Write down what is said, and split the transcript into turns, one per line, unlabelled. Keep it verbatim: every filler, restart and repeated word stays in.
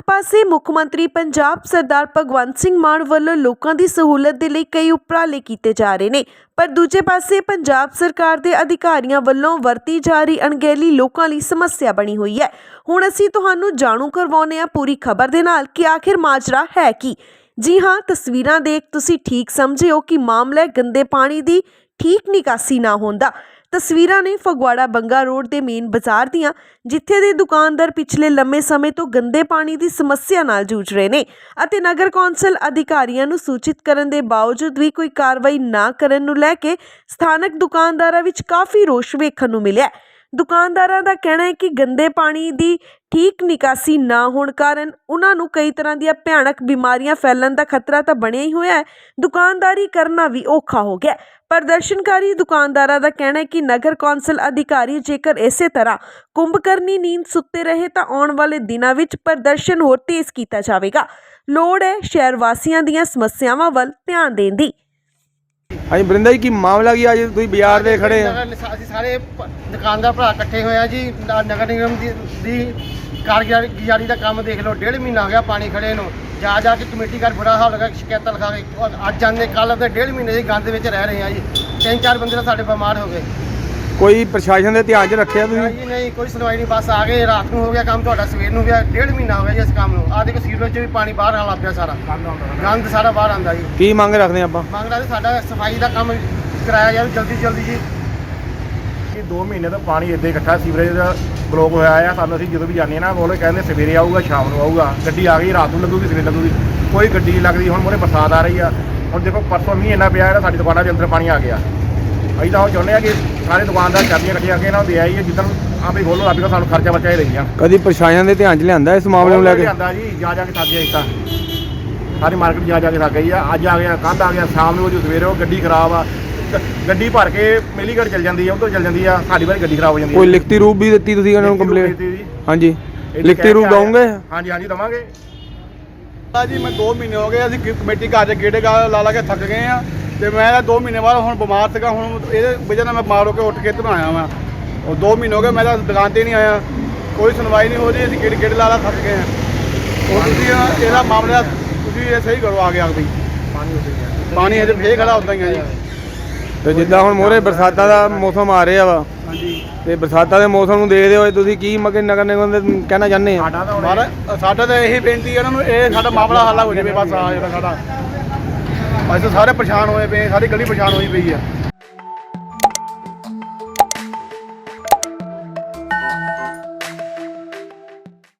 पासे मुख मंत्री पंजाब सरदार भगवंत सिंह मान वल्लों लोकां दी सहूलत दे लई कई उपराले कीते जा रहे ने, पर दूजे पासे पंजाब सरकार दे अधिकारियों वल्लों वरती जा रही अणगहली लोकां लई समस्या बनी हुई है। हुण असीं तुहानूं जाणू करवाउने आ पूरी खबर दे नाल कि आखिर माजरा है की। जी हाँ, तस्वीरां देख तुसीं ठीक समझे हो कि मामला गंदे पानी दी ठीक निकासी ना होंदा। तस्वीरां ने फगवाड़ा बंगा रोड के मेन बाजार दियां, जिथे दे दुकानदार पिछले लंबे समय तो गंदे पानी की समस्या नाल जूझ रहे ने अते नगर कौंसल अधिकारियों नूं सूचित करन दे बावजूद भी कोई कार्रवाई ना करन नूं लैके स्थानक दुकानदारां विच काफ़ी रोष वेखण नूं मिलिया। दुकानदारां दा कहना है कि गंदे पानी की ठीक निकासी ना होने कारण उन्हां नूं कई तरह दी भयानक बीमारियां फैलण दा खतरा तो बनिया ही होया है। दुकानदारी करना भी औखा हो गया। प्रदर्शनकारी दुकानदारां दा कहना है कि नगर कौंसल अधिकारी जेकर इसे तरह कुंभकर्णी नींद सुत्ते रहे तो आने वाले दिनों विच प्रदर्शन होर तेज किया जाएगा। लोड़ है शहर वासियों दीयां समस्यावां वल ध्यान देण दी।
हाँ जी बरिंदा जी की मामला की अज तुसीं बाजार दे खड़े हैं?
ਅਸੀਂ ਸਾਰੇ ਦੁਕਾਨਦਾਰ ਭਰਾ ਇਕੱਠੇ ਹੋਏ ਆ ਜੀ। ਨਗਰ ਨਿਗਮ ਦੀ ਦੀ ਕਾਰਗੁਜ਼ਾਰੀ ਦਾ ਕੰਮ ਦੇਖ ਲਓ, ਡੇਢ ਮਹੀਨਾ ਹੋ ਗਿਆ ਪਾਣੀ ਖੜੇ ਨੂੰ। ਜਾ ਜਾ ਕੇ ਕਮੇਟੀ ਘਰ ਬੁਰਾ ਹਾਲ ਲਗਾ, ਸ਼ਿਕਾਇਤਾਂ ਲਿਖਾ ਕੇ ਅੱਜ ਜਾਂਦੇ ਕੱਲ੍ਹ ਤੇ ਡੇਢ ਮਹੀਨੇ ਦੇ ਗੰਦ ਵਿੱਚ ਰਹਿ ਰਹੇ ਆ ਜੀ। ਤਿੰਨ ਚਾਰ ਬੰਦੇ ਤਾਂ ਸਾਡੇ ਬਿਮਾਰ ਹੋ ਗਏ।
ਕੋਈ ਪ੍ਰਸ਼ਾਸਨ ਦੇ ਧਿਆਨ 'ਚ ਰੱਖਿਆ ਤੁਸੀਂ?
ਨਹੀਂ ਨਹੀਂ, ਕੋਈ ਸੁਣਵਾਈ ਨਹੀਂ। ਬਸ ਆ ਗਏ, ਰਾਤ ਨੂੰ ਹੋ ਗਿਆ ਕੰਮ, ਤੁਹਾਡਾ ਸਵੇਰ ਨੂੰ ਗਿਆ। ਡੇਢ ਮਹੀਨਾ ਹੋ ਗਿਆ ਜੀ ਇਸ ਕੰਮ ਨੂੰ। ਆਹ ਦੇਖੋ ਸੀਵਰੇਜ 'ਚ ਵੀ ਪਾਣੀ ਬਾਹਰ ਆਉਣ ਲੱਗ ਪਿਆ, ਸਾਰਾ ਗੰਦ ਸਾਰਾ ਬਾਹਰ ਆਉਂਦਾ ਜੀ।
ਕੀ ਮੰਗ ਰੱਖਦੇ ਆਪਾਂ?
ਮੰਗਦਾ ਜੀ ਸਾਡਾ ਸਫਾਈ ਦਾ ਕੰਮ ਕਰਾਇਆ ਜਾਵੇ ਜਲਦੀ ਜਲਦੀ ਜੀ।
ਇਹ ਦੋ ਮਹੀਨੇ ਤੋਂ ਪਾਣੀ ਇੱਦਾਂ ਹੀ ਇਕੱਠਾ ਸੀਵਰੇਜ ਦਾ ਬਲੋਕ ਹੋਇਆ ਆ। ਸਾਨੂੰ ਅਸੀਂ ਜਦੋਂ ਵੀ ਜਾਂਦੇ ਹਾਂ ਨਾ ਬੋਲੇ ਕਹਿੰਦੇ ਸਵੇਰੇ ਆਊਗਾ, ਸ਼ਾਮ ਨੂੰ ਆਊਗਾ। ਗੱਡੀ ਆ ਗਈ, ਰਾਤ ਨੂੰ ਲੱਗੂਗੀ, ਸਵੇਰੇ ਲੱਗੂਗੀ, ਕੋਈ ਗੱਡੀ ਨਹੀਂ ਲੱਗਦੀ। ਹੁਣ ਮੋਰੇ ਬਰਸਾਤ ਆ ਰਹੀ ਆ। ਹੁਣ ਦੇਖੋ ਪਰਸੋਂ ਮੀਂਹ ਇੰਨਾ ਪਿਆ, ਸਾਡੀ ਦੁਕਾਨਾਂ ਦੇ ਅੰਦਰ ਪਾਣੀ ਆ ਗਿਆ। ਅਸੀਂ ਤਾਂ ਉਹ ਚਾਹੁੰਦੇ ਹਾਂ ਕਿ ਸਾਰੇ ਦੁਕਾਨਦਾਰ ਚਾਬੀਆਂ ਇਕੱਠੀਆਂ ਕਰਕੇ ਇਹਨਾਂ ਨੂੰ ਦੇ ਆਈ ਹੈ, ਜਿੱਦਣ ਆਪੇ ਖੋਲੋ ਆਪੇ ਸਾਨੂੰ ਖਰਚਾ ਬਚਾ ਹੀ ਰਹੀਆਂ।
ਕਦੀ ਪ੍ਰਸ਼ਾਸਨ ਦੇ ਧਿਆਨ 'ਚ ਲਿਆਂਦਾ ਇਸ ਮਾਮਲੇ ਨੂੰ ਲੈ ਕੇ?
ਲਿਆਂਦਾ ਜੀ, ਜਾ ਜਾ ਕੇ ਥੱਕ ਗਿਆ। ਇਸ ਤਾਂ ਸਾਰੀ ਮਾਰਕੀਟ ਜਾ ਜਾ ਕੇ ਥੱਕ ਗਈ ਆ। ਅੱਜ ਆ ਗਿਆ, ਕੱਲ੍ਹ ਆ ਗਿਆ, ਸ਼ਾਮ ਨੂੰ ਜੋ ਸਵੇਰੇ ਉਹ ਗੱਡੀ ਖਰਾਬ ਆ। ਗੱਡੀ ਭਰ ਕੇ ਮੇਲੀਗੜ੍ਹ ਚੱਲ ਜਾਂਦੀ ਆ, ਉੱਧਰ ਚੱਲ ਜਾਂਦੀ ਆ, ਸਾਡੀ ਵਾਰੀ ਗੱਡੀ ਖਰਾਬ ਹੋ ਜਾਂਦੀ ਹੈ।
ਕੋਈ ਲਿਖਤੀ ਰੂਪ ਵੀ ਦਿੱਤੀ ਤੁਸੀਂ ਉਹਨਾਂ ਨੂੰ ਕੰਪਲੇਂਟ? ਹਾਂਜੀ, ਲਿਖਤੀ ਰੂਪ ਦਵਾਂਗੇ?
ਹਾਂਜੀ ਹਾਂਜੀ ਦਵਾਂਗੇ
ਜੀ। ਮੈਂ ਦੋ ਮਹੀਨੇ ਹੋ ਗਏ, ਅਸੀਂ ਕਮੇਟੀ ਘਰ 'ਚ ਗੇੜੇ ਗਾ ਲਾ ਲਾ ਕੇ ਥੱਕ ਗਏ ਆ। ਤੇ ਮੈਂ ਤਾਂ ਦੋ ਮਹੀਨੇ ਬਾਅਦ ਹੁਣ ਬਿਮਾਰ ਸੀਗਾ। ਹੁਣ ਇਹਦੇ ਵਜ੍ਹਾ ਨਾਲ ਮੈਂ ਬਿਮਾਰ ਹੋ ਕੇ ਉੱਠ ਕੇ ਇੱਧਰ ਆਇਆ ਵਾਂ। ਉਹ ਦੋ ਮਹੀਨੇ ਹੋ ਗਏ ਮੈਂ ਤਾਂ ਦੁਕਾਨ 'ਤੇ ਨਹੀਂ ਆਇਆ, ਕੋਈ ਸੁਣਵਾਈ ਨਹੀਂ ਹੋ ਰਹੀ। ਅਸੀਂ ਗੇੜੇ ਗੇੜੇ ਲਾ ਲਾ ਥੱਕ ਗਏ ਆ। ਉਹ ਤੁਸੀਂ ਇਹਦਾ ਮਾਮਲਾ ਤੁਸੀਂ ਇਹ ਸਹੀ ਕਰੋ ਆ ਗਿਆ ਬਈ। ਪਾਣੀ ਹਜੇ ਫੇਰ ਖੜਾ ਉੱਦਾਂ ਹੀ ਆ ਜੀ।
ਤੇ ਜਿੱਦਾਂ ਹੁਣ ਮੋਹਰੇ ਬਰਸਾਤਾਂ ਦਾ ਮੌਸਮ ਆ ਰਿਹਾ ਵਾ,
ਹਾਂਜੀ,
ਤੇ ਬਰਸਾਤਾਂ ਦੇ ਮੌਸਮ ਨੂੰ ਦੇਖਦੇ ਹੋਏ ਤੁਸੀਂ ਕੀ ਮਗੇ ਨਗਰ ਨਿਗਮ ਦੇ ਕਹਿਣਾ ਚਾਹੁੰਦੇ ਆ?
ਮਾਰਾ ਸਾਡਾ ਤਾਂ ਇਹੀ ਬੇਨਤੀ ਇਹਨਾਂ ਨੂੰ, ਇਹ ਸਾਡਾ ਮਾਮਲਾ ਹੱਲ ਹੋ ਜਾਵੇ ਬਸ। ਆ ਜਿਹੜਾ ਸਾਡਾ ਅਸੀਂ ਸਾਰੇ ਪਰੇਸ਼ਾਨ ਹੋਏ ਪਏ, ਸਾਰੀ ਗਲੀ ਪਰੇਸ਼ਾਨ ਹੋਈ ਪਈ ਆ।